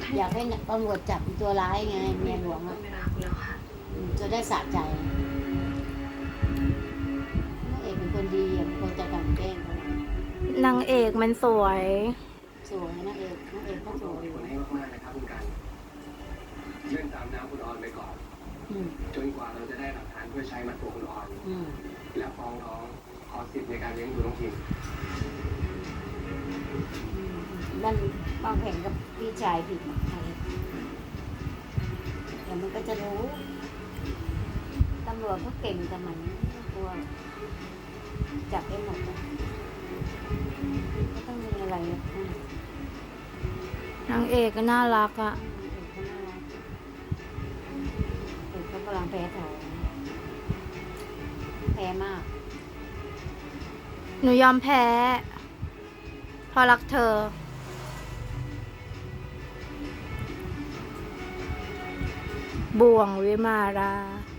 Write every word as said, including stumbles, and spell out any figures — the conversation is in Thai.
อยากให้ตำรวจจับตัวร้ายไงเมียหลวงอ่ะจะได้สะใจนางเอกเป็นคนดีอ่ะเป็นคนจะกันแกล้งเขานางเอกมันสวยสวยนางเอกนางเอกก็สวยขอบคุณให้มากๆนะครับคุณกันยื่นตามน้ำคุณออนไปก่อนอืมจนกว่าเราจะได้หลักฐานเพื่อใช้มัดตัวคุณออนอืมและฟ้องร้องขอสิทธิ์ในการเลี้ยงดูน้องพิมอืมนั่นวางแผนกับพี่ชายผิดใครเดี๋ยวมันก็จะรู้ตำรวจก็เก่งแต่มันไม่กลัวจับได้หมดอะก็ต้องมีอะไรอ่ะอืมนางเอกก็น่ารักอะเด็กเขากำลังแพ้ท้องแพ้มากหนูยอมแพ้เพราะรักเธอ บ่วงวิมารา